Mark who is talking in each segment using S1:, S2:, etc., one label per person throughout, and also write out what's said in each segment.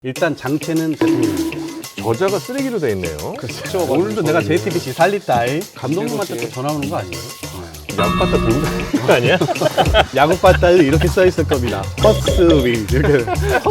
S1: 일단 장체는 대통령입니다.
S2: 저자가 쓰레기로 돼 있네요.
S1: 그렇죠. 오늘도 내가 JTBC 살리다이 감독님한테 또 전화 오는 거 아니에요?
S2: 약받다 들고 다니는 거 아니야?
S1: 야구 바다에 이렇게 써 있을 겁니다. 퍼스트 윙 이렇게.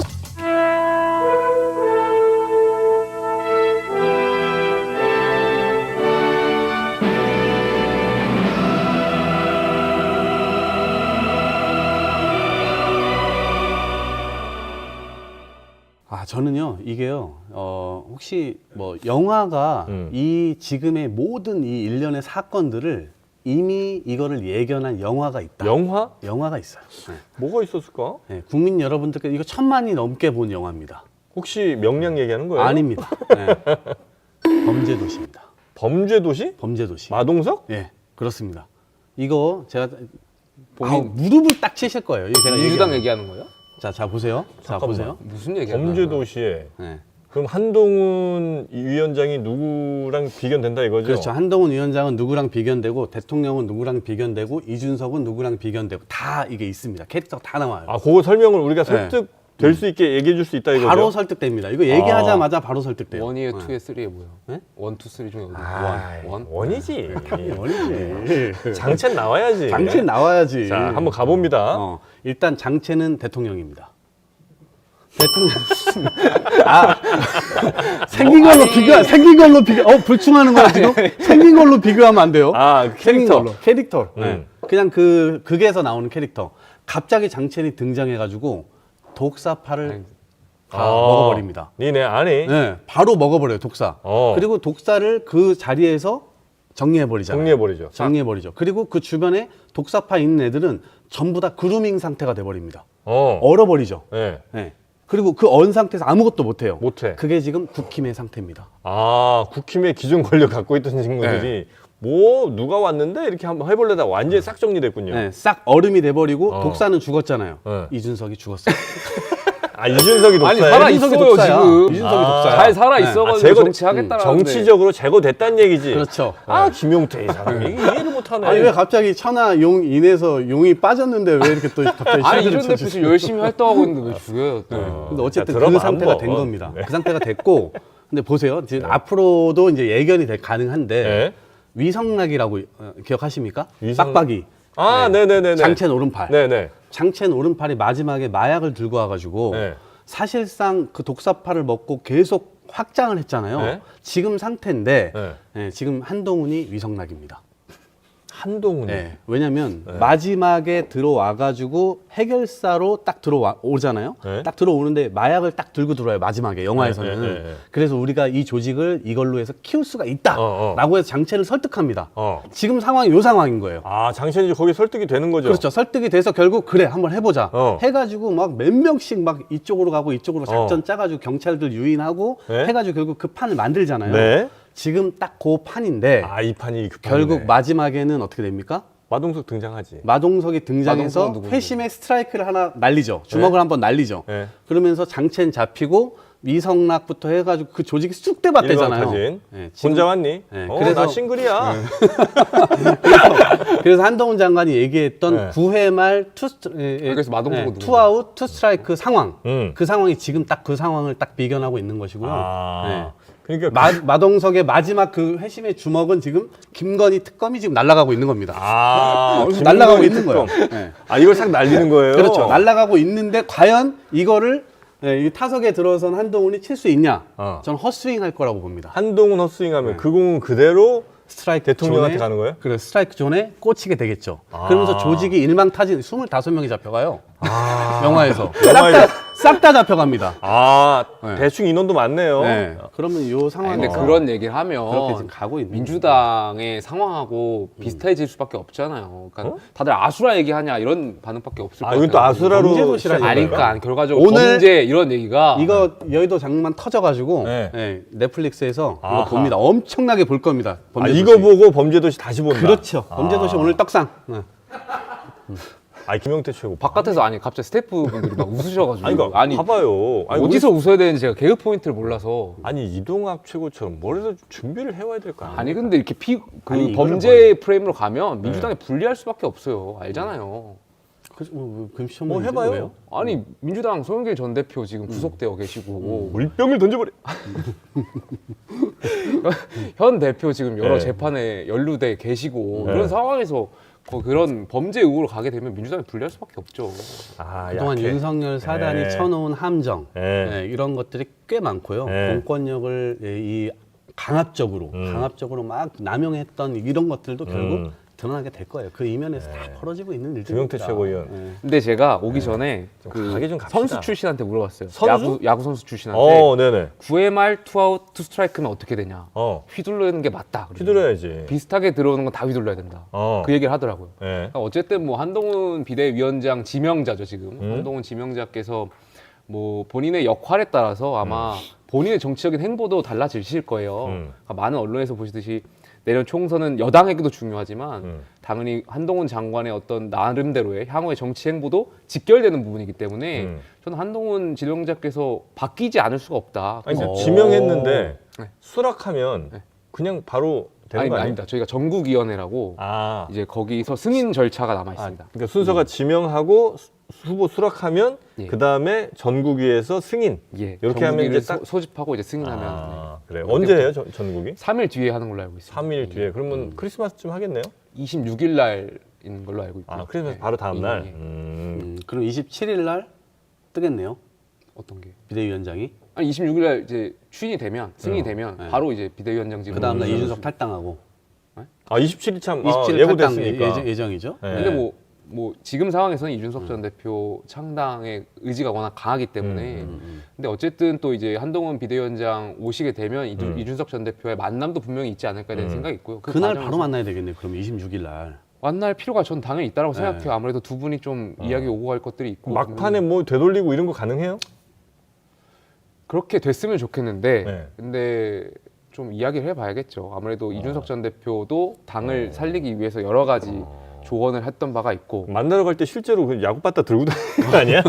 S1: 저는요 이게요 혹시 뭐 영화가 이 지금의 모든 이 일련의 사건들을 이미 이거를 예견한 영화가 있다. 영화가 있어요. 네.
S2: 뭐가 있었을까?
S1: 네, 국민 여러분들께 이거 1000만이 넘게 본 영화입니다.
S2: 혹시 명량 얘기하는 거예요?
S1: 아닙니다. 네. 범죄도시입니다.
S2: 범죄도시?
S1: 범죄도시.
S2: 마동석?
S1: 네, 그렇습니다. 이거 제가 무릎을 딱 치실 거예요. 이거 제가
S3: 민주당 얘기하는 거예요?
S1: 자 보세요. 자 보세요.
S3: 무슨 얘기하는 거야?
S2: 범죄도시에
S1: 네.
S2: 그럼 한동훈 위원장이 누구랑 비견된다 이거죠?
S1: 그렇죠. 한동훈 위원장은 누구랑 비견되고 대통령은 누구랑 비견되고 이준석은 누구랑 비견되고 다 이게 있습니다. 캐릭터가 다 나와요.
S2: 아, 그거 설명을 우리가 설득될 수 있게 얘기해 줄 수 있다 이거죠?
S1: 바로 설득됩니다. 이거 얘기하자마자 바로 설득돼요.
S3: 원이에요, 투에 쓰리에 뭐예요?
S1: 네?
S3: 원, 투, 쓰리 중에 어디? 원?
S2: 원이지.
S1: 원이지.
S2: 장첸 나와야지.
S1: 장첸 나와야지.
S2: 자, 한번 가봅니다.
S1: 일단 장첸은 대통령입니다. 대통령. 생긴 걸로 비교. 불충하는 거야 지금? 생긴 걸로 비교하면 안 돼요. 생긴 걸로. 캐릭터. 네. 그냥 극에서 나오는 캐릭터. 갑자기 장첸이 등장해가지고 독사파를 다 먹어버립니다.
S2: 니네 아니?
S1: 네, 바로 먹어버려요 독사. 그리고 독사를 그 자리에서 정리해버리죠. 정리해버리죠. 그리고 그 주변에 독사파 있는 애들은 전부 다 그루밍 상태가 돼버립니다. 얼어버리죠.
S2: 네.
S1: 네. 그리고 그 언 상태에서 아무것도 못해요.
S2: 못해.
S1: 그게 지금 국힘의 상태입니다.
S2: 국힘의 기존 권력 갖고 있던 친구들이 뭐 누가 왔는데 이렇게 한번 해볼래다 완전히 싹 정리됐군요.
S1: 네, 싹 얼음이 돼버리고 독사는 죽었잖아요.
S2: 네.
S1: 이준석이 죽었어요.
S2: 이준석이 독사예요?
S3: 아니 살아 있어요 지금.
S1: 이준석이 독사야.
S3: 잘 살아 있어가지고 정치하겠다라는데.
S2: 정치적으로 제거됐다는 얘기지.
S1: 그렇죠.
S2: 김용태 이 사람이 이해를 못하네.
S1: 아니 왜 갑자기 천하 용 인해서 용이 빠졌는데 왜 이렇게 또 갑자기
S3: 아니
S1: 실드를
S3: 이런 데
S1: 쳐주시죠?
S3: 지금 열심히 활동하고 있는데 왜 죽여요? 또.
S1: 근데 어쨌든
S2: 자,
S1: 그
S2: 들어봐,
S1: 상태가
S2: 한번.
S1: 된 겁니다. 그 상태가 됐고, 근데 보세요. 지금 앞으로도 이제 예견이 가능한데
S2: 네.
S1: 위성락이라고 기억하십니까?
S2: 위성-
S1: 빡빡이.
S2: 네네네네.
S1: 장첸 오른팔.
S2: 네네.
S1: 장첸 오른팔이 마지막에 마약을 들고 와가지고
S2: 네.
S1: 사실상 그 독사파를 먹고 계속 확장을 했잖아요.
S2: 네.
S1: 지금 상태인데
S2: 네.
S1: 지금 한동훈이 위성락입니다.
S2: 한동훈이.
S1: 네. 왜냐면 마지막에 들어와가지고 해결사로 딱 들어오잖아요.
S2: 네.
S1: 딱 들어오는데 마약을 딱 들고 들어와요. 마지막에 영화에서는.
S2: 네.
S1: 그래서 우리가 이 조직을 이걸로 해서 키울 수가 있다라고 해서 장첸을 설득합니다. 지금 상황이 요 상황인 거예요.
S2: 장첸이 거기 설득이 되는 거죠?
S1: 그렇죠. 설득이 돼서 결국 그래 한번 해보자 해가지고 막 몇 명씩 막 이쪽으로 가고 이쪽으로 작전 짜가지고 경찰들 유인하고 해가지고 결국 그 판을 만들잖아요.
S2: 네.
S1: 지금 딱 그 판인데
S2: 이 판이 그 판이네.
S1: 결국 마지막에는 어떻게 됩니까?
S2: 마동석 등장하지.
S1: 마동석이 등장해서
S3: 마동석은 누구예요?
S1: 회심의 스트라이크를 하나 날리죠. 주먹을 한번 날리죠.
S2: 네.
S1: 그러면서 장첸 잡히고 위성락부터 해가지고 그 조직이 쑥대밭대잖아요.
S2: 일각타진.
S1: 네,
S2: 혼자 왔니?
S1: 그래서
S2: 나 싱글이야.
S1: 그래서 한동훈 장관이 얘기했던 9회 말
S3: 그래서 마동석은 누구예요?
S1: 투아웃 투스트라이크 상황.
S2: 음.
S1: 그 상황이 지금 딱 그 상황을 딱 비견하고 있는 것이고요. 네.
S2: 그러니까
S1: 마동석의 마지막 그 회심의 주먹은 지금 김건희 특검이 지금 날아가고 있는 겁니다. 날아가고 있는 거예요. 네.
S2: 이걸 싹 날리는 거예요.
S1: 그렇죠. 날아가고 있는데 과연 이거를 이 타석에 들어선 한동훈이 칠 수 있냐? 저는 헛스윙 할 거라고 봅니다.
S2: 한동훈 헛스윙하면 그 공은 그대로
S1: 스트라이크
S2: 대통령한테
S1: 존에,
S2: 가는 거예요?
S1: 그래, 스트라이크 존에 꽂히게 되겠죠. 그러면서 조직이 일망타진 25명이 잡혀가요. 영화에서. 싹 다 잡혀갑니다.
S2: 대충 인원도 많네요.
S1: 네. 그러면 이 상황에
S3: 근데 그런 얘기를 하면
S1: 그렇게 지금 가고 있는
S3: 민주당의 상황하고 비슷해질 수밖에 없잖아요. 그러니까 다들 아수라 얘기하냐 이런 반응밖에 없을 것 같아요.
S2: 이건 또 아수라로
S1: 범죄도시라는
S3: 아니
S2: 시작인
S3: 그러니까 결과적으로
S1: 오늘
S3: 범죄 이런 얘기가
S1: 이거 여의도 장만 터져가지고 넷플릭스에서 이거 봅니다. 엄청나게 볼 겁니다. 범죄도시.
S2: 이거 보고 범죄도시 다시 본다.
S1: 그렇죠. 범죄도시 오늘 떡상.
S2: 김용태 최고.
S3: 바깥에서 갑자기 스태프분들이 막 웃으셔가지고
S2: 그러니까 봐봐요.
S3: 어디서 웃어야 되는지 제가 개그 포인트를 몰라서
S2: 이동학 최고처럼 뭐라도 준비를 해와야 될 거 아니에요?
S3: 아니 근데 이렇게
S1: 아니, 이거를
S3: 범죄 프레임으로 가면 민주당에 불리할 수밖에 없어요. 알잖아요.
S1: 금시초문
S2: 뭐 해봐요.
S1: 왜요?
S3: 아니 민주당 송영길 전 대표 지금 구속되어 계시고
S2: 물병을 던져버려.
S3: 현 대표 지금 여러
S2: 네.
S3: 재판에 연루돼 계시고
S2: 네.
S3: 그런 상황에서 그런 범죄 의혹으로 가게 되면 민주당이 불리할 수밖에 없죠.
S2: 아,
S1: 그동안
S2: 약해.
S1: 윤석열 사단이
S2: 네.
S1: 쳐놓은 함정
S2: 네.
S1: 이런 것들이 꽤 많고요.
S2: 네.
S1: 공권력을 이 강압적으로 막 남용했던 이런 것들도 결국 드러나게 될 거예요. 그 이면에서 다 벌어지고 있는 일들입니다.
S2: 김용태 최고위원.
S3: 근데 제가 오기 전에
S2: 좀
S3: 그
S2: 가게 좀 갑시다.
S3: 선수 출신한테 물어봤어요.
S2: 선수?
S3: 야구 선수 출신한테
S2: 네네.
S3: 9회 말 투아웃 투 스트라이크면 어떻게 되냐?
S2: 어,
S3: 휘둘르는 게 맞다. 그러더라고요.
S2: 휘둘러야지.
S3: 비슷하게 들어오는 건 다 휘둘러야 된다. 그 얘기를 하더라고요.
S2: 네.
S3: 그러니까 어쨌든 뭐 한동훈 비대위원장 지명자죠 지금. 한동훈 지명자께서 뭐 본인의 역할에 따라서 아마 본인의 정치적인 행보도 달라지실 거예요. 그러니까 많은 언론에서 보시듯이 내년 총선은 여당에게도 중요하지만 당연히 한동훈 장관의 어떤 나름대로의 향후의 정치 행보도 직결되는 부분이기 때문에 저는 한동훈 지명자께서 바뀌지 않을 수가 없다.
S2: 아니,
S3: 그래서
S2: 지명했는데
S3: 네.
S2: 수락하면
S3: 네.
S2: 그냥 바로 되는 거 아니에요?
S3: 아닙니다. 저희가 전국위원회라고
S2: 아,
S3: 이제 거기서 승인 절차가 남아 있습니다.
S2: 그러니까 순서가 지명하고 후보 수락하면
S3: 예.
S2: 그 다음에 전국위에서 승인.
S3: 예,
S2: 이렇게 하면 이제
S3: 전국위를
S2: 딱.
S3: 소집하고 이제 승인하면
S2: 아, 그래. 언제 해요, 전국이?
S3: 3일 뒤에 하는 걸로 알고 있습니다.
S2: 3일 뒤에. 그러면 크리스마스쯤 하겠네요?
S3: 26일 날인 걸로 알고 있고요.
S2: 아, 크리스마스
S3: 네.
S2: 바로 다음 날.
S3: 예.
S1: 그럼 27일 날 뜨겠네요.
S3: 어떤 게?
S1: 비대위원장이.
S3: 아니 26일 날 이제 추인이 되면 승인이 되면
S1: 네.
S3: 바로 이제 비대위원장 지금.
S1: 그 다음날 이준석 탈당하고.
S2: 아, 27일 참
S1: 27일
S2: 예고됐으니까.
S1: 탈당 예정이죠.
S2: 네.
S3: 근데 뭐 지금 상황에서는 이준석 전 대표 창당의 의지가 워낙 강하기 때문에 근데 어쨌든 또 이제 한동훈 비대위원장 오시게 되면 이준석 전 대표의 만남도 분명히 있지 않을까 되는 생각이 있고요. 그
S1: 그날
S3: 과정에서
S1: 바로 만나야 되겠네요. 그럼 26일 날.
S3: 만날 필요가 전 당연히 있다고
S1: 네.
S3: 생각해요. 아무래도 두 분이 좀 이야기 오고 갈 것들이 있고
S2: 막판에 뭐 되돌리고 이런 거 가능해요?
S3: 그렇게 됐으면 좋겠는데
S2: 네.
S3: 근데 좀 이야기를 해봐야겠죠. 아무래도 이준석 전 대표도 당을 살리기 위해서 여러 가지 조언을 했던 바가 있고
S2: 만나러 갈 때 실제로 그 야구 바다 들고 다니는 거 아니야?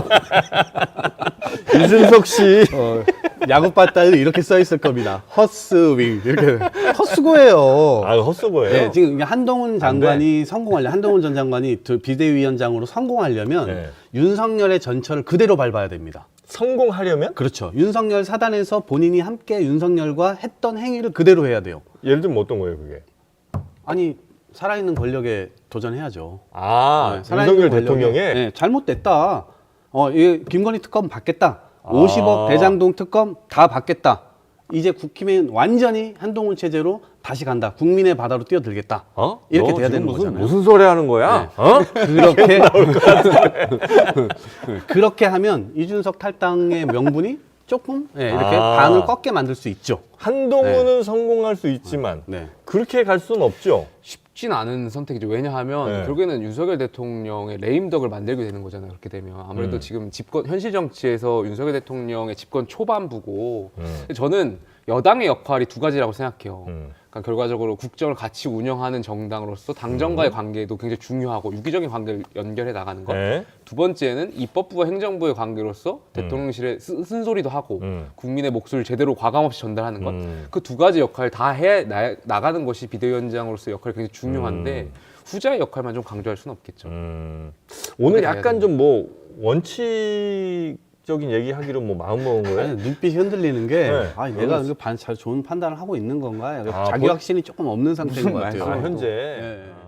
S2: 이준석 씨.
S1: 야구 바다에 이렇게 써 있을 겁니다. 허스윙 이렇게 헛수고예요.
S2: 아, 헛소거예요?
S1: 네, 지금 한동훈 장관이 한동훈 전 장관이 비대위원장으로 성공하려면
S2: 네.
S1: 윤석열의 전철을 그대로 밟아야 됩니다.
S2: 성공하려면?
S1: 그렇죠. 윤석열 사단에서 본인이 함께 윤석열과 했던 행위를 그대로 해야 돼요.
S2: 예를 들면 어떤 거예요, 그게?
S1: 아니 살아있는 권력에 도전해야죠.
S2: 아,
S1: 네, 살아있는
S2: 윤석열
S1: 권력에,
S2: 대통령의?
S1: 네, 잘못됐다. 이 김건희 특검 받겠다. 50억 대장동 특검 다 받겠다. 이제 국힘은 완전히 한동훈 체제로 다시 간다. 국민의 바다로 뛰어들겠다.
S2: 어?
S1: 이렇게
S2: 너
S1: 돼야
S2: 지금
S1: 되는 거잖아요.
S2: 무슨 소리 하는 거야? 어?
S1: 그렇게 하면 이준석 탈당의 명분이 조금 이렇게
S2: 아.
S1: 반을 꺾게 만들 수 있죠.
S2: 한동훈은 성공할 수 있지만
S1: 네.
S2: 그렇게 갈 수는 없죠.
S3: 쉽진 않은 선택이죠. 왜냐하면
S2: 네.
S3: 결국에는 윤석열 대통령의 레임덕을 만들게 되는 거잖아요. 그렇게 되면 아무래도 지금 집권 현실 정치에서 윤석열 대통령의 집권 초반부고 저는 여당의 역할이 두 가지라고 생각해요. 그러니까 결과적으로 국정을 같이 운영하는 정당으로서 당정과의 관계도 굉장히 중요하고 유기적인 관계를 연결해 나가는 것.
S2: 네.
S3: 두 번째는 입법부와 행정부의 관계로서 대통령실에 쓴소리도 하고 국민의 목소리를 제대로 과감 없이 전달하는 것. 그 두 가지 역할 다 해 나가는 것이 비대위원장으로서 역할이 굉장히 중요한데 후자의 역할만 좀 강조할 수는 없겠죠.
S2: 오늘
S3: 그렇게
S2: 약간
S3: 해야
S2: 좀 뭐 원칙적인 얘기하기로 뭐 마음 먹은 거예요?
S1: 아니, 눈빛이 흔들리는 게
S2: 네.
S1: 내가 잘 좋은 판단을 하고 있는 건가?
S2: 아,
S1: 자기 확신이 조금 없는 상태인 것 같아요.
S2: 현재.
S1: 예.